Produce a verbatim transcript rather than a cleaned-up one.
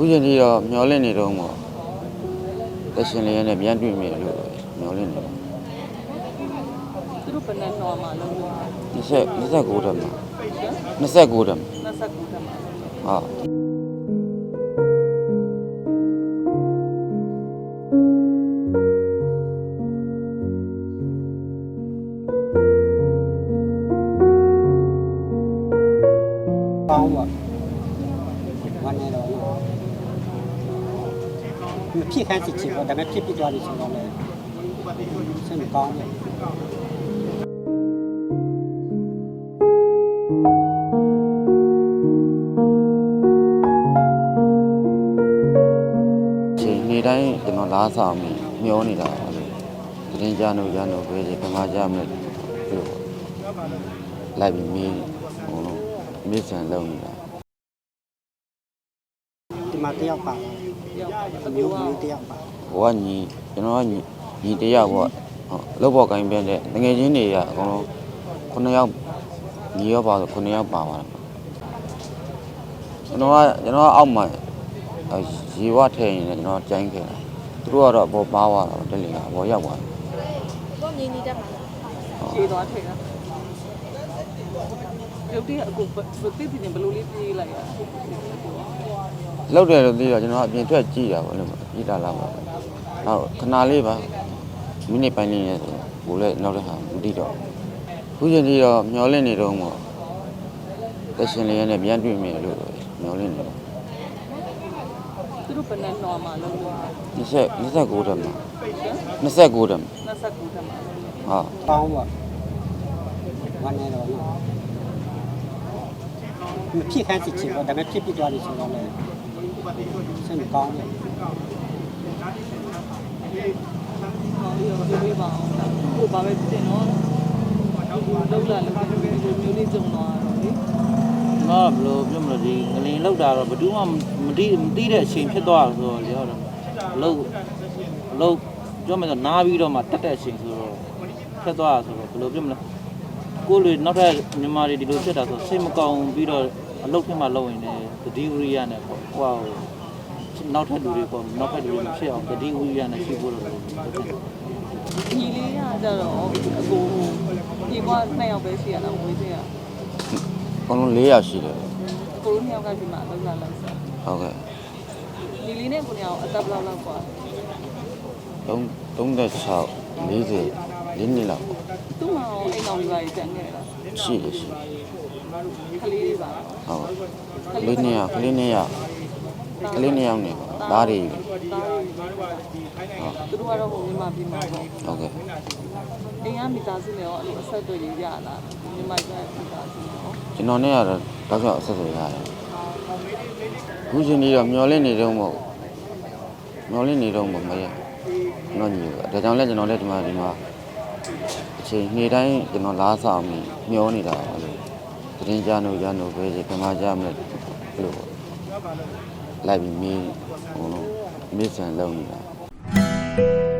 ခုချိန်ကြီးတော့မျောလင့်နေတော့မို့တက်ရှင်လေးနဲ့ပြန်တွေ့မယ်လို့မျောလင့်နေတယ်သူတို့ဘယ်နဲ့နှောမှာလုံးလို့ 20 29တက်မှာ29တက်မှာ 29တက်မှာဟုတ်ကောင်းပါวันนี้တော့မဖြစ်ခိုင်းစစ်ချင်တော့ဒါပေမဲ့ဖြစ်ပြီးသွားပြီဆိုတော့လည်းစိတ်မကောင်းဘူးချိန်နေတိုင်းကျွန်တော်လားဆောင်ပြီးမျောနေတာပါလို့တင်းကြလို့ရလို့ပဲဒီပမာကြမယ်လို့လိုက်ပြီးမီးဟိုလုံးမစ်ဆန်လုံးနေတာဒီမှာတယောက်ပါအမျိုးမျိုးတယောက်ပါဟိုကညီကျွန်တော်ကညီညီတယောက်ပေါ့လောက်ပေါ်ကိုင်းပြတဲ့ငွေချင်းတွေကအကုန်လုံးခုနှစ်ယောက်ညီရောပါဆိုခုနှစ်ယောက်ပါပါတယ်ကျွန်တော်ကကျွန်တော်ကအောက်မှာရေဝထည့်ရင်လည်းကျွန်တော်ကြိုင်းခဲ့တာသူတို့ကတော့ဘောပါသွားတော့တက်လီကဘောရောက်သွားတယ်ကိုမြင်းကြီးတက်မှာရေသွားထည့်တာရုပ်တရက်အခုသိပြီဘယ်လိုလေးပြေးလိုက်ရလောက်တယ်လို့သိတော့ကျွန်တော်အပြင်ထွက်ကြည့်တာပေါ့လို့ကြည့်တာလားပေါ့နောက်ခဏလေးပါမိနစ်ပိုင်းလေးနဲ့ဆိုဘိုးလည်းနောက်တစ်ခါမသိတော့ခုချိန်ကြီးတော့မျောလင့်နေတော့မို့တက်ရှင်လေးနဲ့ပြန်တွေ့မယ်လို့မျောလင့်နေတယ်သူတို့ဘယ်နဲ့နှောမှာလုံးလို့ 20 29တက်မှာ29တက်မှာ 29တက်မှာဟုတ်ကောင်းပါวันนี้တော့မဖြစ်ခိုင်းစစ်ချင်တော့ဒါပေမဲ့ဖြစ်ပြီးသွားပြီဆိုတော့လည်းစိတ်မကောင်းဘူးဟောဒီတော့ပြေးပါအောင်ကိုဘာပဲတင်တော့လောက်လာလောက်ဒီမျိုးလေးကြုံတော့လေငါဘယ်လိုပြောမလဲဒီငလင်လောက်တာတော့ဘယ်သူမှမတိမတိတဲ့အချိန်ဖြစ်သွားဆိုတော့လေဟုတ်တယ်အလုပ်အလုပ်ပြောမယ်ဆိုနားပြီးတော့မှတက်တဲ့အချိန်ဆိုတော့ဖြစ်သွားဆိုတော့ဘယ်လိုပြောမလဲကိုယ်လေနောက်ထပ်မြန်မာတွေဒီလိုဖြစ်တာဆိုစိတ်မကောင်းပြီးတော့အလုပ်ဖြစ်မှလုပ်ရင်လည်းတတိဝရိယနဲ့ပေါ့ဟိုနောက်ထပ်လူတွေပေါ့နောက်ထပ်လူတွေမဖြစ်အောင်တတိဝရိယနဲ့ရှိဖို့လို့ညီလေးကကြတော့အကိုဒီဘက်နှစ်ယောက်ပဲရှိရတာဝေးစင်းရအကုန်လုံး၄ယောက်ရှိတယ်ကိုတို့နှစ်ယောက်ကဒီမှာလောက်လာလိုက်စားဟုတ်ကဲ့ညီလေးနဲ့ကိုညောင်အသက်ဘယ်လောက်လောက်กว่า 3 36 40လေးနှစ်လောက်ပေါ့သူ့မှာအိမ်တော်တွေပါတန်ခဲ့လားရှိတယ်ရှိကလေးလေးပါဟုတ်ကလေးနှစ်ယောက်ကလေးနှစ်ယောက်ကလေးနှစ်ယောက်နေပါဒါတွေသူတို့ကတော့ဟိုမြန်မာပြည်မှာပေါ့ဟုတ်ကဲ့အိမ်ကမိသားစုနဲ့ရောအဲ့လိုအဆက်အသွယ်ရလာမြန်မာပြည်ကမိသားစုရောကျွန်တော်နဲ့ကတော့တောက်လျှောက်အဆက်အသွယ်ရတယ်ခုချိန်ကြီးတော့မျောလင့်နေတော့မဟုတ်မျောလင့်နေတော့မမရတော့ညီဒါကြောင့်လဲကျွန်တော်လည်းဒီမှာဒီမှာအချိန်နေ့တိုင်းကျွန်တော်လားဆောင်ပြီးမျောနေတာပါလို့တင်းကြလို့ရလို့ပဲဒီပမာကြမယ်လို့လိုက်ပြီးမီးဟိုလုံးမစ်ဆန်လုံးနေတာ